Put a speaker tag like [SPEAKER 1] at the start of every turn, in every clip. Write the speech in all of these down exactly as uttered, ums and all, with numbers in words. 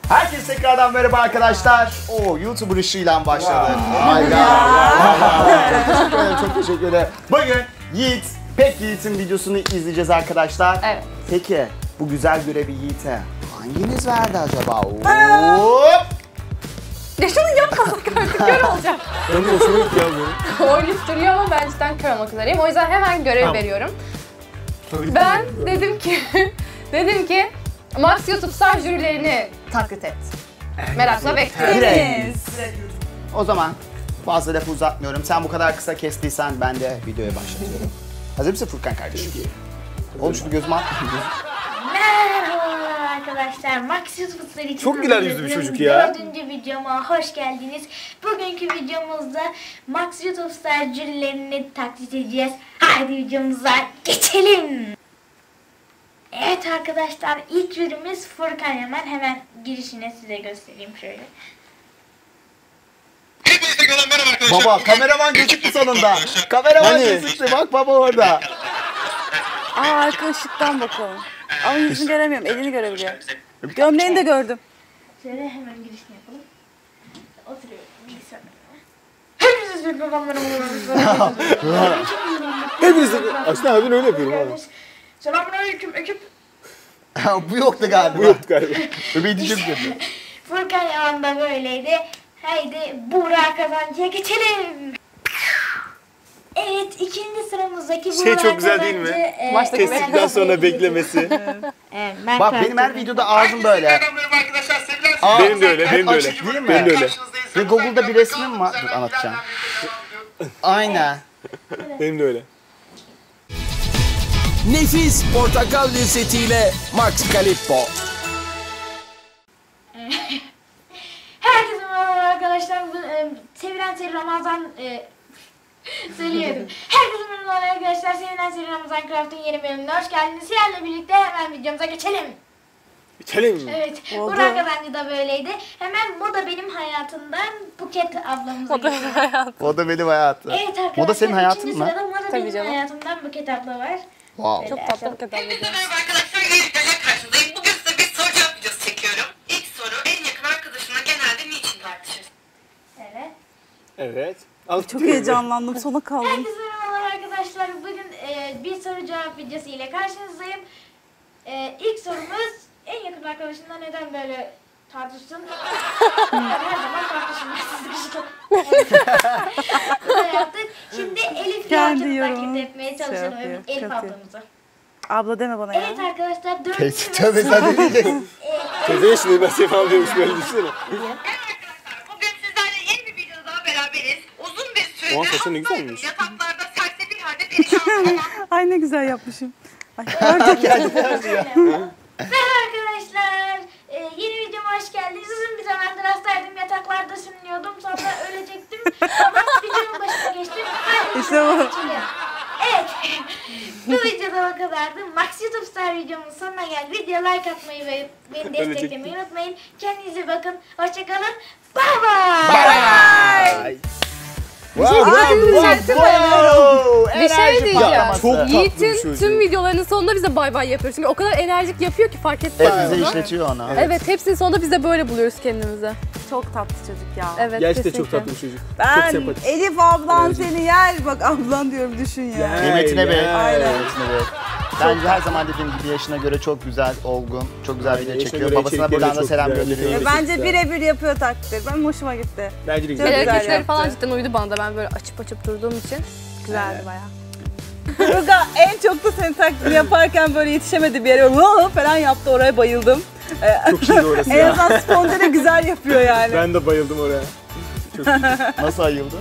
[SPEAKER 1] Herkese tekrardan merhaba arkadaşlar. Oo, YouTuber ışığıyla başladı. Hayda. Çok teşekkür ederim, çok teşekkür ederim. Bugün Yiğit, Pek Yiğit'in videosunu izleyeceğiz arkadaşlar.
[SPEAKER 2] Evet.
[SPEAKER 1] Peki, bu güzel görevi Yiğit'e hanginiz verdi acaba? Hop!
[SPEAKER 2] Ya şunu yapmasak artık kör olacak.
[SPEAKER 3] Ben de hoşuma gitti ya bu.
[SPEAKER 2] Oynayıp duruyor ama ben cidden kör olmak üzereyim. O yüzden hemen görev
[SPEAKER 3] Tamam.
[SPEAKER 2] veriyorum. Ben dedim ki, dedim ki Max YouTube Star jürilerini taklit et. Merakla bekliyoruz.
[SPEAKER 1] O zaman fazla lafı uzatmıyorum. Sen bu kadar kısa kestiysen ben de videoya başlatıyorum. Hazır mısın Furkan kardeşim? Oğlum şunu gözüme at.
[SPEAKER 4] Merhaba arkadaşlar, Max YouTube'lar için
[SPEAKER 3] Çok güler yüzlü bir çocuk ya.
[SPEAKER 4] Dördüncü videoma hoş geldiniz. Bugünkü videomuzda Max YouTube Star jürilerini taklit edeceğiz. Haydi videomuza geçelim. Evet arkadaşlar, ilk jürimiz Furkan Yaman. Hemen girişine size göstereyim şöyle.
[SPEAKER 5] Hepinize kadar merhaba arkadaşlar.
[SPEAKER 1] Baba kameraman gözüktü sonunda. Kameraman
[SPEAKER 3] Hani?
[SPEAKER 1] gözüktü, bak baba orada.
[SPEAKER 6] Aa, arka ışıktan bakalım. Ama yüzünü göremiyorum, elini görebiliyorum. Gömleğini de gördüm.
[SPEAKER 4] Şöyle hemen girişini yapalım. Oturuyorum bilgisayarda. Hepinize Furkan merhaba.
[SPEAKER 3] Hepiniz aslında abin öyle yapıyorum abi.
[SPEAKER 4] Selamünaleyküm ekip.
[SPEAKER 1] Bu yoktu galiba.
[SPEAKER 3] Bu yoktu galiba.
[SPEAKER 1] Bebeği diyeceğim dedi.
[SPEAKER 4] Furkan Yaman da böyleydi. Haydi Buğra Kazancı'ya geçelim. Evet, ikinci sıramızdaki Buğra
[SPEAKER 3] Şey çok güzel değil mi?
[SPEAKER 4] Kazancı, e,
[SPEAKER 2] Baştaki
[SPEAKER 3] Kestikten sonra beklemesi.
[SPEAKER 4] Evet, ben
[SPEAKER 1] Bak
[SPEAKER 4] karakterim.
[SPEAKER 1] benim her videoda ağzım böyle.
[SPEAKER 5] Merhaba arkadaşlar. Sevilen
[SPEAKER 1] Aa,
[SPEAKER 3] Benim de öyle,
[SPEAKER 1] hep
[SPEAKER 3] benim de öyle.
[SPEAKER 1] açık değil mi?
[SPEAKER 3] Benim de öyle.
[SPEAKER 1] Ve Google'da bir resmim var. Dur anlatacağım. Aynen.
[SPEAKER 3] Benim de öyle.
[SPEAKER 7] Nefis portakal lezzetiyle Max Calippo.
[SPEAKER 4] Herkese merhaba arkadaşlar. Bu, e, sevilen seri Ramazan e, söyleyelim. Herkese merhaba arkadaşlar. Sevilen seri Ramazan Craft'ın yeni bölümüne hoş geldiniz. Sizlerle birlikte hemen videomuza geçelim.
[SPEAKER 3] İçelim mi?
[SPEAKER 4] Evet,
[SPEAKER 6] Oldu.
[SPEAKER 4] Burak Kazancı da böyleydi. Hemen Moda Benim Hayatımdan Buket ablamıza
[SPEAKER 2] O da
[SPEAKER 4] geçelim.
[SPEAKER 2] hayatım.
[SPEAKER 1] O da benim hayatım.
[SPEAKER 4] Evet arkadaşlar,
[SPEAKER 1] Moda senin hayatın
[SPEAKER 4] ikinci
[SPEAKER 1] mı?
[SPEAKER 4] sırada Moda
[SPEAKER 2] Tabii
[SPEAKER 4] Benim
[SPEAKER 2] canım.
[SPEAKER 4] Hayatımdan Buket abla var.
[SPEAKER 1] Wow.
[SPEAKER 2] Çok tatlı bir kadar
[SPEAKER 5] Hepinize
[SPEAKER 2] video.
[SPEAKER 5] merhaba arkadaşlar. Yeni videoya karşınızdayım. Bugün size bir soru cevap videosu çekiyorum. İlk soru, en yakın arkadaşınla genelde niçin tartışırsın?
[SPEAKER 4] Evet.
[SPEAKER 3] Evet. Al,
[SPEAKER 6] Çok heyecanlandım, sona kaldım.
[SPEAKER 4] Herkese merhabalar arkadaşlar. Bugün e, bir soru cevap videosu ile karşınızdayım. E, ilk sorumuz, en yakın arkadaşınla neden böyle tartışsın? Yani her zaman tartışılmaz. Bunu yaptık. Şimdi Elif
[SPEAKER 6] Kendi
[SPEAKER 4] Yalçın'ı
[SPEAKER 6] yorumunu
[SPEAKER 4] taklit etmeye çalışalım.
[SPEAKER 6] şey yapıyor,
[SPEAKER 4] Evet, Elif
[SPEAKER 6] katıyor.
[SPEAKER 4] ablamızı.
[SPEAKER 6] Abla deme bana ya.
[SPEAKER 4] Evet arkadaşlar, dördüncü
[SPEAKER 1] Teyze tövbe sen ne diyeceksin?
[SPEAKER 3] Teyze şimdi ben Sefam diyormuş böyle düşünsene.
[SPEAKER 5] Evet arkadaşlar, bugün sizlerle yeni bir videoda daha beraberiz. Uzun bir süredir
[SPEAKER 3] Oha, saçın ne
[SPEAKER 5] hastaydım.
[SPEAKER 3] güzelmiş.
[SPEAKER 5] Yataklarda serseri halde perişan olan
[SPEAKER 6] Ay ne güzel yapmışım. Ay, gördüm.
[SPEAKER 4] Merhaba arkadaşlar. Ee, yeni videoma hoş geldiniz. Uzun bir zamandır hastaydım. Yataklarda sürünüyordum. Sonra ölecektim. Ama videonun başına geçtim. Haydi
[SPEAKER 6] İşte bu.
[SPEAKER 4] geçelim. Evet. Bu videoda o kadardı. Max YouTube Star videomun sonuna geldi. Video like atmayı ve beni desteklemeyi unutmayın. Kendinize bakın. Hoşçakalın. Bye bye.
[SPEAKER 1] Bye. Wow,
[SPEAKER 2] Ay, yükselttim dayanamıyorum. Bir şey
[SPEAKER 1] Enerji
[SPEAKER 2] diyeceğim.
[SPEAKER 1] patlaması.
[SPEAKER 3] Çok tatlı bir
[SPEAKER 2] Yiğit'in
[SPEAKER 3] çocuk.
[SPEAKER 2] tüm videolarının sonunda bize bay bay yapıyor. Çünkü o kadar enerjik yapıyor ki fark etmiyor.
[SPEAKER 1] Hepimize
[SPEAKER 2] onu.
[SPEAKER 1] işletiyor onu.
[SPEAKER 2] Evet, hepsinin sonunda biz de böyle buluyoruz kendimizi.
[SPEAKER 6] Çok tatlı çocuk ya.
[SPEAKER 2] Evet,
[SPEAKER 3] Gerçekten
[SPEAKER 2] kesinlikle.
[SPEAKER 3] çok tatlı bir çocuk. Çok
[SPEAKER 6] Ben
[SPEAKER 3] sempatik.
[SPEAKER 6] Elif ablan
[SPEAKER 3] Evet.
[SPEAKER 6] seni yer. Bak ablan diyorum, düşün ya.
[SPEAKER 3] Ya.
[SPEAKER 1] Kıymetine bil.
[SPEAKER 3] Aynen.
[SPEAKER 1] Kıymetine bil. Bence her zaman dediğim gibi yaşına göre çok güzel, olgun, çok güzel
[SPEAKER 3] Aynen,
[SPEAKER 1] video
[SPEAKER 3] yaşına
[SPEAKER 1] çekiyor.
[SPEAKER 3] göre
[SPEAKER 1] Babasına
[SPEAKER 3] içerikleri
[SPEAKER 1] buradan
[SPEAKER 3] de
[SPEAKER 1] da
[SPEAKER 3] çok
[SPEAKER 1] selam
[SPEAKER 3] güzel.
[SPEAKER 1] gönderiyoruz.
[SPEAKER 3] Evet.
[SPEAKER 6] Bence
[SPEAKER 3] güzel.
[SPEAKER 6] birebir yapıyor taklitleri. Ben hoşuma gitti.
[SPEAKER 3] Bence de
[SPEAKER 6] Çok
[SPEAKER 3] güzel.
[SPEAKER 6] güzel
[SPEAKER 2] Hareketleri
[SPEAKER 6] yaptı.
[SPEAKER 2] falan cidden uydu bana da, ben böyle açıp açıp durduğum için güzeldi bayağı.
[SPEAKER 6] Turga en çok da senin taklidini yaparken böyle yetişemedi bir yere. Vaa falan yaptı, oraya bayıldım. Ee,
[SPEAKER 3] Çok iyiydi orası
[SPEAKER 6] en
[SPEAKER 3] ya.
[SPEAKER 6] azından spontane güzel yapıyor yani.
[SPEAKER 3] Ben de bayıldım oraya. Çok iyiydi.
[SPEAKER 1] Nasıl ayıldı?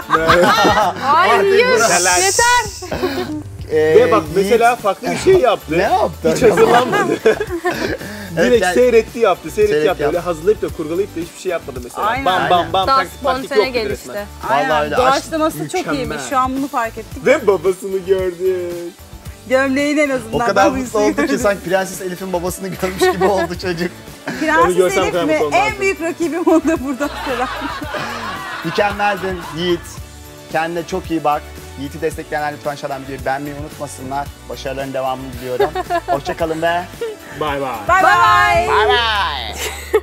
[SPEAKER 2] Hayır,
[SPEAKER 1] Neler?
[SPEAKER 2] yeter.
[SPEAKER 1] Ee,
[SPEAKER 3] Ve bak
[SPEAKER 1] Yiğit
[SPEAKER 3] mesela farklı bir şey yaptı.
[SPEAKER 1] ne yaptı?
[SPEAKER 3] Hiç hazırlanmadı. Direkt
[SPEAKER 1] yani-
[SPEAKER 3] seyretti yaptı, seyretti
[SPEAKER 1] Seyret
[SPEAKER 3] yaptı.
[SPEAKER 1] yaptı.
[SPEAKER 3] Öyle hazırlayıp da kurgulayıp da hiçbir şey yapmadı mesela.
[SPEAKER 6] Aynen.
[SPEAKER 3] Bam bam bam
[SPEAKER 2] Daha
[SPEAKER 3] taktik taktik
[SPEAKER 2] spontane
[SPEAKER 3] yoktu
[SPEAKER 2] gelişti.
[SPEAKER 3] resmen.
[SPEAKER 6] Aynen.
[SPEAKER 1] Vallahi öyle.
[SPEAKER 6] Doğaçlaması çok
[SPEAKER 3] Mükemmel.
[SPEAKER 6] iyiymiş. Şu an bunu fark ettik.
[SPEAKER 3] Ve babasını gördük.
[SPEAKER 6] Gömleğin en azından.
[SPEAKER 1] O kadar
[SPEAKER 6] ben
[SPEAKER 1] mutlu oldu ki sanki Prenses Elif'in babasını görmüş gibi oldu çocuk.
[SPEAKER 3] Onu
[SPEAKER 6] Prenses
[SPEAKER 3] görsem
[SPEAKER 6] Elif
[SPEAKER 3] kadar
[SPEAKER 6] mi?
[SPEAKER 3] mutlu olmazdım.
[SPEAKER 6] En büyük rakibim o da buradan selam.
[SPEAKER 1] Mükemmeldin Yiğit. Kendine çok iyi bak. Yiğit'i destekleyenler lütfen aşağıdan videoyu beğenmeyi unutmasınlar. Başarıların devamını diliyorum. Hoşçakalın ve
[SPEAKER 3] Bye bye.
[SPEAKER 6] Bye bye.
[SPEAKER 1] bye bye.